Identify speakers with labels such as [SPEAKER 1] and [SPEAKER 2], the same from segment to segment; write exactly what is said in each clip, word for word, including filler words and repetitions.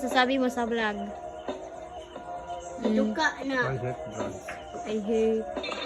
[SPEAKER 1] masasabi mo sa vlog? Mm.
[SPEAKER 2] Duka na.
[SPEAKER 3] I hate drugs.
[SPEAKER 1] I hate.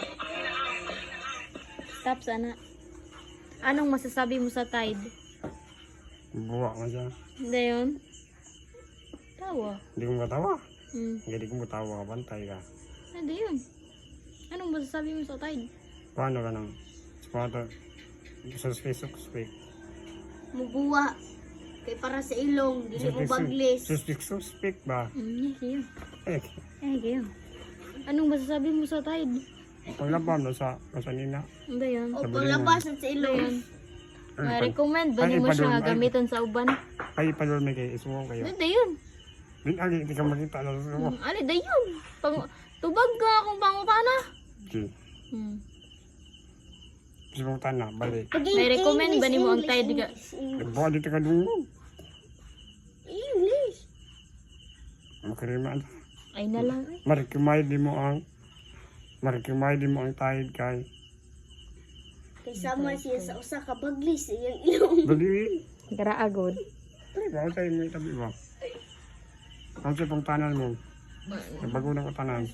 [SPEAKER 1] Stop sana. Anong masasabi mo sa Tide?
[SPEAKER 3] Buwa ka dyan.
[SPEAKER 1] Hindi yun? Tawa.
[SPEAKER 3] Hindi ko matawa.
[SPEAKER 1] Hmm.
[SPEAKER 3] Hindi ko matawa ka, bantay ka.
[SPEAKER 1] Hindi yun. Anong masasabi mo sa Tide?
[SPEAKER 3] Paano ka nang? Paano? Suspect, suspect.
[SPEAKER 2] Mubuwa. Kay para sa ilong. Dili mo baglis.
[SPEAKER 3] Suspect, suspect ba?
[SPEAKER 1] Hmm, yes, yun.
[SPEAKER 3] Eh,
[SPEAKER 1] Eh, kayo. Anong masasabi mo sa Tide?
[SPEAKER 3] paglabam na sa kasanina.
[SPEAKER 1] Hindi yun.
[SPEAKER 2] O
[SPEAKER 3] Sabi
[SPEAKER 2] panglabas sa
[SPEAKER 1] Hindi
[SPEAKER 2] ilong.
[SPEAKER 1] yun.
[SPEAKER 3] Ay, pag-
[SPEAKER 1] Ma-recommend ba
[SPEAKER 3] ay,
[SPEAKER 1] ni mo
[SPEAKER 3] ipadol-
[SPEAKER 1] siya
[SPEAKER 3] ay.
[SPEAKER 1] gamiton sa uban?
[SPEAKER 3] Ay, palulmi kayo. Isuwa kayo.
[SPEAKER 1] Hindi yun.
[SPEAKER 3] Din, ali, hindi ka makita na sa suwa.
[SPEAKER 1] Hmm, ali, di yun. Pang, tubag ka kung pangutana.
[SPEAKER 3] Okay.
[SPEAKER 1] Hmm.
[SPEAKER 3] Gusto mong tana, balik.
[SPEAKER 1] May recommend ba ni mo ang Tide ka?
[SPEAKER 3] Buwa dito ka dun.
[SPEAKER 2] English.
[SPEAKER 3] Makarimaan.
[SPEAKER 1] Ay na lang eh.
[SPEAKER 3] Marikimay di mo ang Marikimay di mo ang Tide kay.
[SPEAKER 2] Kay sama siya sa usa ka baglis sa iyang ilong.
[SPEAKER 3] Bali.
[SPEAKER 1] Garaagod.
[SPEAKER 3] Pero ba tayo mo itabi ba? Ang sa pang tanan mo. Bago na ko tanan.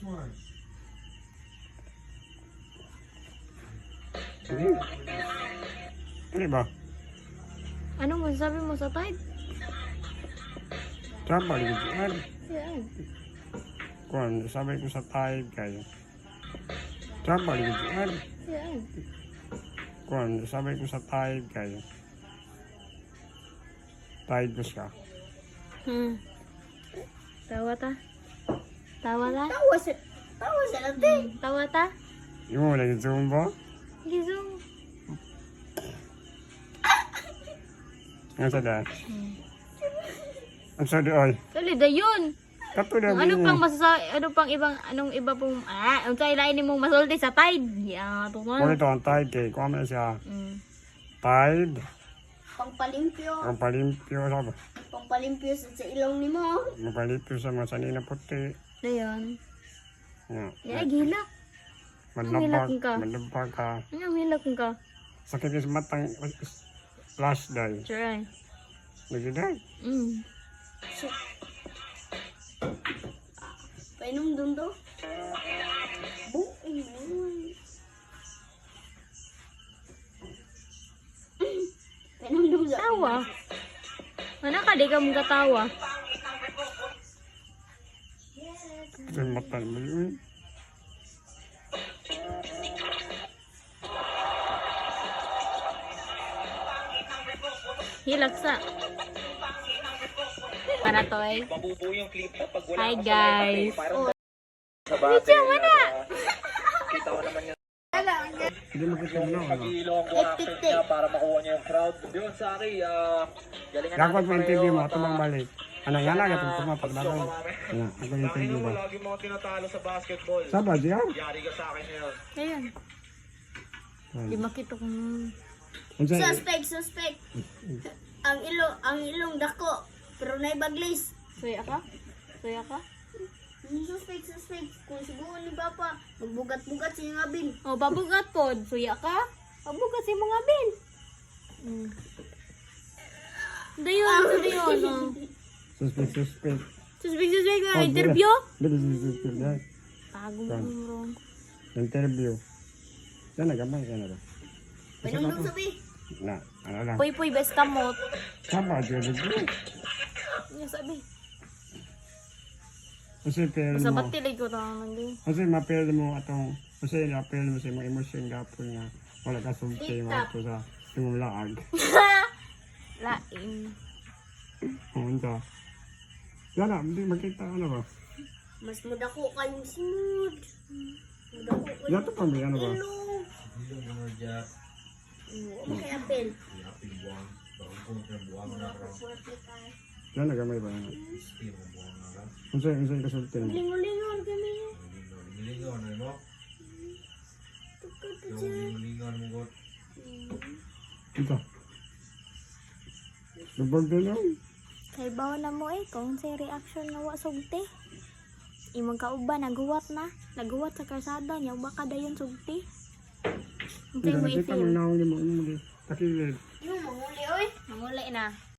[SPEAKER 3] Hindi. Hindi ba?
[SPEAKER 1] Anong masasabi mo sa Tide?
[SPEAKER 3] Tama, ligyan.
[SPEAKER 1] Yan.
[SPEAKER 3] Kung sabi ko sa Tide kayo. Tama, ligyan.
[SPEAKER 1] Yan.
[SPEAKER 3] Kung sabi ko sa Tide kayo. Tide ko siya.
[SPEAKER 1] Hmm. Tawa ta? Tawa ta?
[SPEAKER 2] Tawa sa tawa sa lati.
[SPEAKER 1] Hmm. Tawa ta?
[SPEAKER 3] Yung mo lagi zoom ba?
[SPEAKER 1] Gisong.
[SPEAKER 3] Ang sada.
[SPEAKER 1] Hmm.
[SPEAKER 3] Ang sada ay.
[SPEAKER 1] Kali da yun.
[SPEAKER 3] Kato na
[SPEAKER 1] Kung ano pang masasabi, ano pang ibang, anong iba pong, ah, ang sa ilain mong masulti sa Tide. Yeah, ito
[SPEAKER 3] Kung
[SPEAKER 1] mo.
[SPEAKER 3] ito ang Tide kay. Kung ano siya.
[SPEAKER 1] Hmm.
[SPEAKER 3] Tide.
[SPEAKER 2] Pangpalimpyo.
[SPEAKER 3] Ang palimpyo sa ba?
[SPEAKER 2] Pangpalimpyo sa, sa ilong nimo.
[SPEAKER 3] Mapalimpyo sa mga sanina puti.
[SPEAKER 1] Da yun.
[SPEAKER 3] Yeah.
[SPEAKER 1] Yeah, gila.
[SPEAKER 3] Manlabag.
[SPEAKER 1] hilak ka.
[SPEAKER 3] Manlabag ka.
[SPEAKER 1] Ano, hilak ka.
[SPEAKER 3] Sakit yung matang flash die.
[SPEAKER 1] Try.
[SPEAKER 3] Lagi day.
[SPEAKER 1] Mm.
[SPEAKER 2] Painom dun do. Buing naman. Painom dun do.
[SPEAKER 1] Tawa. Ano ka, di ka mong katawa.
[SPEAKER 3] Ito yung mata mo yun.
[SPEAKER 1] Hilaksa. Para to eh.
[SPEAKER 4] Mabubuo yung clip mo pag wala
[SPEAKER 1] Hi
[SPEAKER 4] ka sa
[SPEAKER 1] guys.
[SPEAKER 4] live, parang
[SPEAKER 1] Oh.
[SPEAKER 4] sa bate. Wala. Kita ko naman yung
[SPEAKER 3] Hindi makita mo na. Ano?
[SPEAKER 4] pag-iilong ko action niya para makuha niya yung crowd. Yun, sorry. ah galingan
[SPEAKER 3] Dapat mo interview mo.
[SPEAKER 4] at,
[SPEAKER 3] Ito bang
[SPEAKER 4] ah,
[SPEAKER 3] balik. Ano yan na? Ito
[SPEAKER 4] sana
[SPEAKER 3] pumapag na
[SPEAKER 4] gusto
[SPEAKER 3] rin.
[SPEAKER 4] ka, mami.
[SPEAKER 3] Ano? Ako yung
[SPEAKER 4] Dahil
[SPEAKER 3] interview
[SPEAKER 4] mo
[SPEAKER 3] ba?
[SPEAKER 4] lagi mga tinatalo sa basketball.
[SPEAKER 3] Saba diyan?
[SPEAKER 4] Yari ka sa akin ngayon.
[SPEAKER 1] Ayan. Di makita kung...
[SPEAKER 3] Ano sa?
[SPEAKER 2] Suspect, suspect. Ang ilong, ang ilong dako. Pero nay baglis.
[SPEAKER 1] Suya ka? Suya ka?
[SPEAKER 2] Ang Suspect, suspect. Kung siguro ni Papa, magbugat-bugat siya nga bin.
[SPEAKER 1] O, babugat po. Suya ka? Babugat si mga bin. Mm. Hindi yun. Hindi yun. Oh.
[SPEAKER 3] Suspect, suspect.
[SPEAKER 1] Suspect, suspect nga.
[SPEAKER 3] Oh,
[SPEAKER 1] Interview?
[SPEAKER 3] Dito, dito, dito, dito.
[SPEAKER 1] Tago mo wrong.
[SPEAKER 3] Interview. Yan na, gamay ka na ba?
[SPEAKER 2] Painom dun sabi.
[SPEAKER 3] Na, ano lang.
[SPEAKER 1] Puy, puy, best kamot.
[SPEAKER 3] Saba diyan, dito.
[SPEAKER 1] Ano sabi?
[SPEAKER 3] Kasi pero
[SPEAKER 1] Sa
[SPEAKER 3] mo.
[SPEAKER 1] batilay ko naman din.
[SPEAKER 3] Kasi mapel mo atong. Kasi napel mo sa mga emosyon gapon nga. Wala ka sulti mo ato sa imong laag.
[SPEAKER 1] Lain.
[SPEAKER 3] Punta. Yan na, hindi makita ano ba?
[SPEAKER 2] Mas mudako kayong sinod. Mudako kayong
[SPEAKER 3] Yan to pa may ano ba?
[SPEAKER 2] ilong. Oo, kaya apel.
[SPEAKER 3] Yan na gamay ba? Kung sa'yo, kung sa'yo kasulti mo.
[SPEAKER 2] Lingon-lingon kami.
[SPEAKER 3] Ito. Lubog din yun.
[SPEAKER 1] Kay bawa na mo eh, kung sa reaction na wa sugti. Imong kauban, naguwat na. Naguwat sa karsada niya, baka dayon sugti. Ang
[SPEAKER 3] Hindi
[SPEAKER 1] mo
[SPEAKER 3] na kita
[SPEAKER 1] i-feel.
[SPEAKER 3] mo naong mo mo. Takilid.
[SPEAKER 2] Yung manguli oy.
[SPEAKER 1] Manguli na.